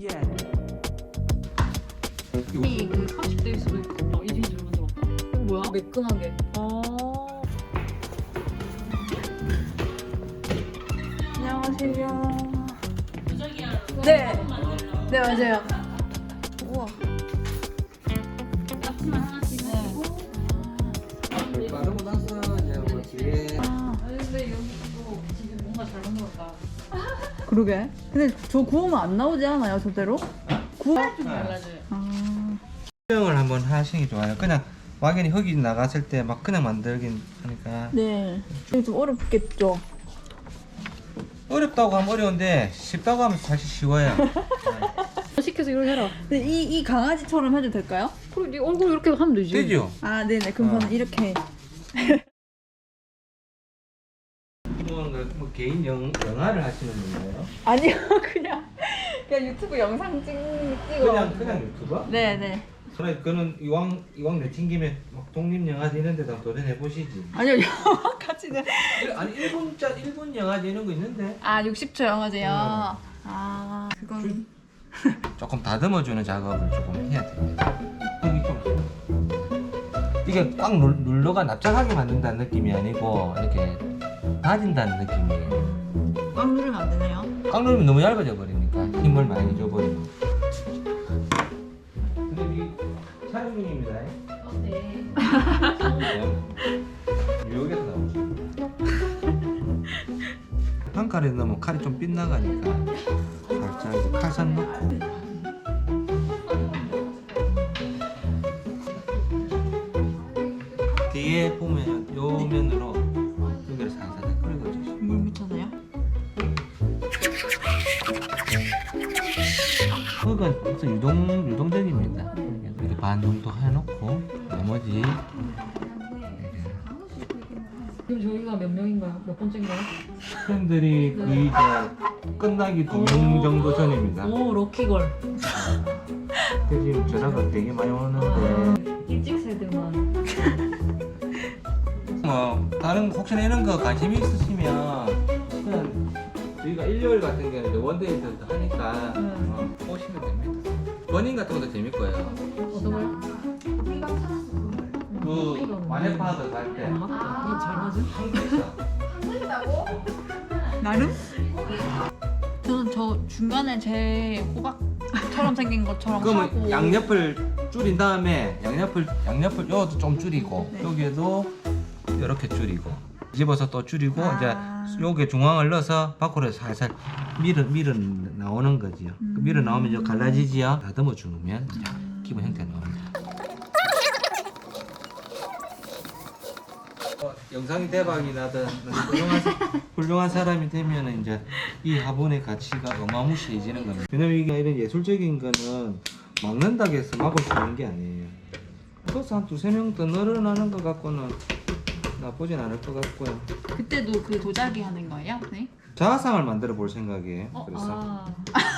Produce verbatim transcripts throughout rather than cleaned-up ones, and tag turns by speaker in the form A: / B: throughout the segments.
A: 이 그 삼십 대일 수도 있고 어, 이진주를 만들었다. 뭐야? 매끈하게. 아.
B: 안녕하세요. 네. 네, 맞아요. 우와.
A: 앞치마 하나씩 하고.
C: 바르고 나서 이제 뭐 뒤에
B: 아,
A: 근데 여기도 지금 뭔가 잘 만들었다.
B: 그러게. 근데 저 구우면 안 나오지 않아요, 저대로? 구워?
A: 좀 달라져요.
B: 아.
C: 수영을 한번 하시는 게 좋아요. 그냥 막연히 흙이 나갔을 때 막 그냥 만들긴 하니까
B: 네. 이게 좀 어렵겠죠?
C: 어렵다고 하면 어려운데 쉽다고 하면 사실 쉬워요.
A: 시켜서 이걸 해라.
B: 근데 이, 이 강아지처럼 해도 될까요?
A: 그리고 네 얼굴 이렇게 하면 되지.
C: 되죠?
B: 아, 네네. 그럼
C: 어.
B: 저는 이렇게.
C: 뭐, 뭐 개인 영, 영화를 하시는 건가요?
B: 아니요, 그냥. 그냥 유튜브 영상 찍, 찍어.
C: 그냥 그냥 유튜버?
B: 네네.
C: 그래 그는 이왕 이왕 내친 김에 막 독립 영화제 이런 데다 도전해 보시지.
B: 아니요, 영화까지는.
C: 아니 일본자 일본 영화제 이런 거 있는데
B: 아, 육십 초 영화제요?
C: 어.
B: 아, 그건.
C: 조금 다듬어주는 작업을 조금 해야 됩니다. 여기 좀 이게 꽉 눌, 눌러가 납작하게 만든다는 느낌이 아니고 이렇게 다진다는 느낌이에요.
B: 꽉 누르면 안 되나요?
C: 꽉 누르면 너무 얇아져 버리니까 힘을 많이 줘버리면. 근데 이 촬영 중입니다.
A: 어, 네.
C: 뉴욕에서 나오죠. 한 칼에 넣으면 칼이 좀 빗나가니까 살짝 이제 칼산 넣고. 뒤에 보면 요 면으로 여기를 살살 끓여주시고.
B: 물 묻혀서요?
C: 흙은 항상 유동 유동적입니다. 이렇게 반 정도 해놓고 나머지
A: 지금 저희가 몇 명인가요? 몇 번째인가요?
C: 팬들이 거의 이제 끝나기 두 명 정도 전입니다.
A: 오, 럭키걸.
C: 근데 지금 전화가 되게 많이 오는데
A: 일찍 세대만.
C: 뭐 다른 혹시나 이런 거 관심이 있으시면 그냥 저희가 일요일 같은 경우는 이제 원데이들도 하니까
A: 음.
C: 어, 오시면 됩니다. 버닝 같은 것도 재밌 거예요.
A: 어떤 걸?
C: 그 마네파드 갈 때.
A: 안 맞다. 이게 잘 맞아?
C: 한국에서
B: 나름? 저는 저 중간에 제 호박처럼 생긴 것처럼
C: 그러면
B: 하고.
C: 양옆을 줄인 다음에 양옆을 양옆을 요것도 좀 줄이고
B: 네.
C: 여기에도 이렇게 줄이고 집어서 또 줄이고
B: 아.
C: 이제 요게 중앙을 넣어서 밖으로 살살 밀어 밀어 나오는 거지요.
B: 음.
C: 그 밀어 나오면 이제 갈라지지요. 다듬어 주면 기본 형태 나옵니다. 어, 영상이 대박이 나든 훌륭한, 사- 훌륭한 사람이 되면 이제 이 화분의 가치가 어마무시해지는 겁니다. 왜냐면 이게 이런 예술적인 거는 막는다고 해서 막을 수 있는 게 아니에요. 그래서 한 두세 명 더 늘어나는 것 같고는 나쁘진 않을 것 같고요.
B: 그때도 그 도자기 하는 거예요? 네.
C: 자화상을 만들어 볼 생각이에요.
A: 어,
C: 그래서
A: 아.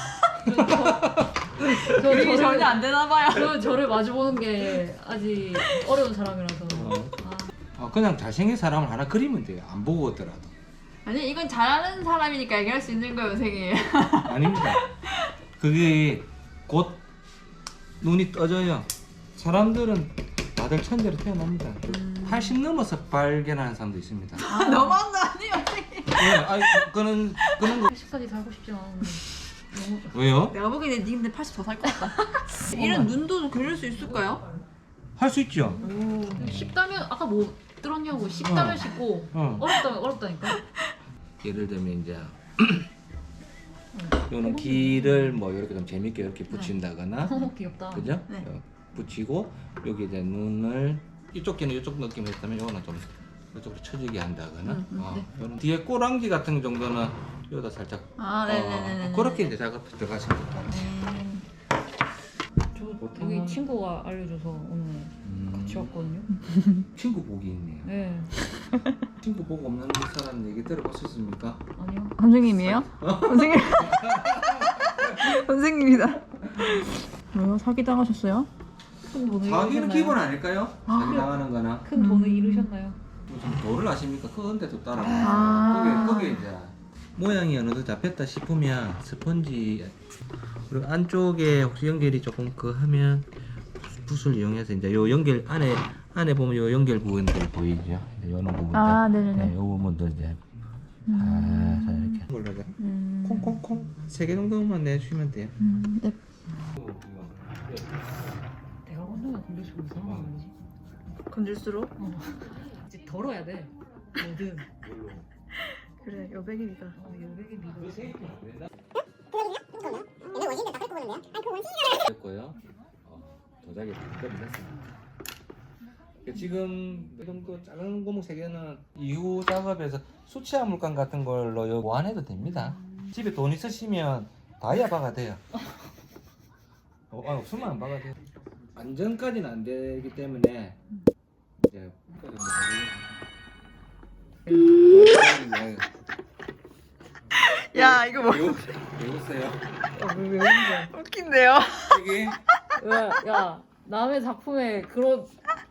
A: 저, 저,
B: 그게
A: 저를,
B: 전혀 안 되나 봐요.
A: 저, 저를 마주보는 게 아직 어려운 사람이라서.
C: 어.
A: 아,
C: 어, 그냥 잘생긴 사람을 하나 그리면 돼요. 안 보고 오더라도.
B: 아니, 이건 잘하는 사람이니까 얘기할 수 있는 거예요, 선생님.
C: 아닙니다. 그게 곧 눈이 떠져요. 사람들은 다들 천재로 태어납니다. 팔십 넘어서 발견하는 사람도 있습니다.
B: 아, 너무한 거 아니에요, 선생님?
C: 예, 아니, 그는 그는 거
A: 팔십까지 살고 싶지 않은데. 너무.
C: 왜요?
B: 내가 보기에는 니 근데 팔십 더 살 것 같다. 이런 눈도 그릴 수 있을까요?
C: 할 수 있죠.
A: 쉽다면, 아까 뭐 들었냐고. 쉽다면
C: 어.
A: 쉽고,
C: 어.
A: 어렵다면 어렵다니까.
C: 예를 들면 이제 요는 길을 뭐 이렇게 좀 재밌게 이렇게 붙인다거나,
A: 너무 귀엽다.
C: 그죠?
B: 네.
C: 어, 붙이고 여기 이제 눈을 이쪽 귀는 이쪽 느낌 했다면 요거는 좀 이쪽으로 쳐지게 한다거나,
B: 음, 음,
C: 어,
B: 네.
C: 요런 뒤에 꼬랑지 같은 정도는 여기다 살짝
B: 아, 네네네네.
C: 어, 그렇게 이제 작업 들어가시면 될 것 같아요.
B: 음.
A: 저
C: 보통은-
A: 여기 친구가 알려줘서 오늘
C: 음,
A: 같이 왔거든요.
C: 친구 복이 있네요.
A: 네.
C: 친구 복 없는 사람 얘기 들어보셨습니까?
A: 아니요.
B: 선생님이에요? 선생님. 선생님이다. 왜요? 사기 당하셨어요?
A: 큰 돈을
C: 사기는
A: 잃으셨나요?
C: 기본 아닐까요?
B: 아,
C: 사기
B: 그래.
C: 당하는 거나
A: 큰 돈을
B: 음.
A: 잃으셨나요?
C: 뭐 좀 도를 아십니까? 그건데도 따라가요.
B: 아.
C: 그게 그게 이제 모양이 어느 정도 잡혔다 싶으면 스펀지 그리고 안쪽에 혹시 연결이 조금 그 하면 붓을 이용해서 이제 요 연결 안에 안에 보면 요 연결 부분들 보이죠? 요런 부분들.
B: 아, 네네네.
C: 네, 요 부분들 이제
B: 음.
C: 아, 이렇게 몰라요.
B: 음.
C: 콩콩콩 세 개 정도만 내주시면 돼요.
B: 음, 네.
A: 내가 건너면 건들수록 이상한 거 아니지?
B: 건질수록?
A: 어. 이제 덜어야 돼. 뭐든.
B: 그래, 여백이 미가.
A: 어, 여백의 미가.
C: 됐고요. 어, 도자기 완전히 됐습니다. 지금 이 정도 작은 고무 세 개는 이후 작업에서 수치화 물감 같은 걸로 요 보완해도 됩니다. 집에 돈 있으시면 다이아 바가 돼요. 어, 아, 없으면 안 바가 돼요. 완전까지는 안 되기 때문에 이제
B: 야, 이거 뭐
C: 배웠어요.
A: 왜, 왜 그런 거야?
B: 웃긴데요?
C: 이게
A: 왜, 야, 남의 작품에 그런.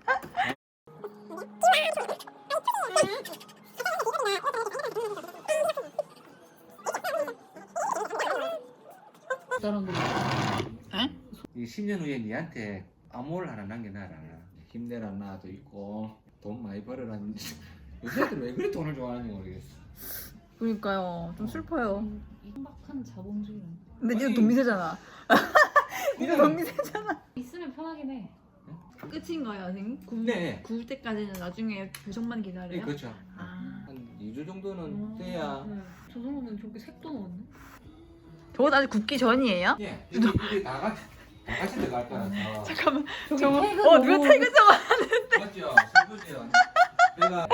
A: 다른 거.
C: 이 십 년 후에 니한테 암호를 하나 남겨놔라. 힘내라 나도 있고 돈 많이 벌어라는 요새들 왜 그리 돈을 좋아하는지 모르겠어.
B: 그러니까요. 좀 슬퍼요.
A: 임박한 자본주의.
B: 근데 니도
C: 아니.
B: 돈 미세잖아. 니도 돈 미세잖아.
A: 있으면 편하긴 해.
B: 끝인가요, 선생님? 구울,
C: 네.
B: 구울 때까지는 나중에 배송만
C: 네,
B: 기다려요?
C: 그렇죠.
B: 아.
C: 한 이 주 정도는 돼야.
A: 네. 저 정도면 저렇게 색도 넣었네.
B: 저거 아직 굽기 전이에요?
C: 예, 이게, 이게 다 같이 다 같이 들어갈 거라서.
B: 잠깐만.
A: 저기
B: 저거,
A: 태그
B: 어, 누가
A: 너무-
B: 태그 적어?
C: 맞죠? 슬프죠. 내가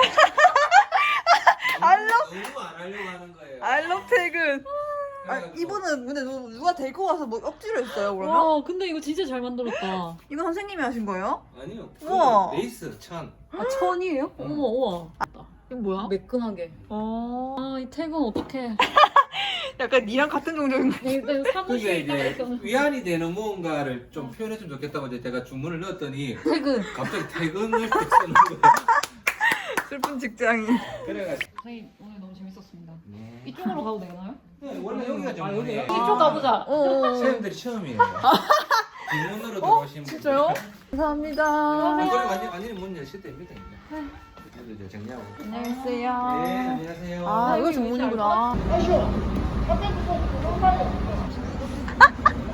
B: 알로?
C: 너무 안 하려고 하는 거예요.
B: 알럽 태그. 아,
C: 그래가지고
B: 이분은 근데 누, 누가 데리고 와서 뭐 억지로 했어요, 그러면?
A: 와, 근데 이거 진짜 잘 만들었다.
B: 이거 선생님이 하신 거예요?
C: 아니요.
B: 우와.
C: 그 레이스 천.
A: 아, 천이에요?
C: 응.
A: 어머, 우와.
B: 이거 뭐야?
A: 매끈하게.
B: 어.
A: 아, 이 태그는 어떡해.
B: 약간 니랑 같은 종족인 거.
A: 내가
C: 그게
A: 사무실에
C: 이제
A: 있다가
C: 위안이 되는 무언가를 좀 표현했으면 좋겠다고 이제 제가 주문을 넣었더니
A: 태그.
C: 갑자기 퇴근을 쓰는 거예요.
B: 슬픈 직장인.
C: 그래가지고.
A: 선생님, 오늘 너무 재밌었습니다.
C: 네.
A: 이쪽으로 가도 되나요?
C: 네, 원래 여기가
A: 아,
C: 전문이에요.
A: 여기요? 이쪽 가보자.
B: 어.
C: 사람들이 처음이에요. 뒷문으로 들어오신 분.
B: 진짜요? 감사합니다.
C: 이걸 완전 완전히 문 열실 때입니다. 이제. 이제 이제 정리하고.
B: 안녕하세요.
C: 네, 안녕하세요.
B: 아, 이거 전문이구나.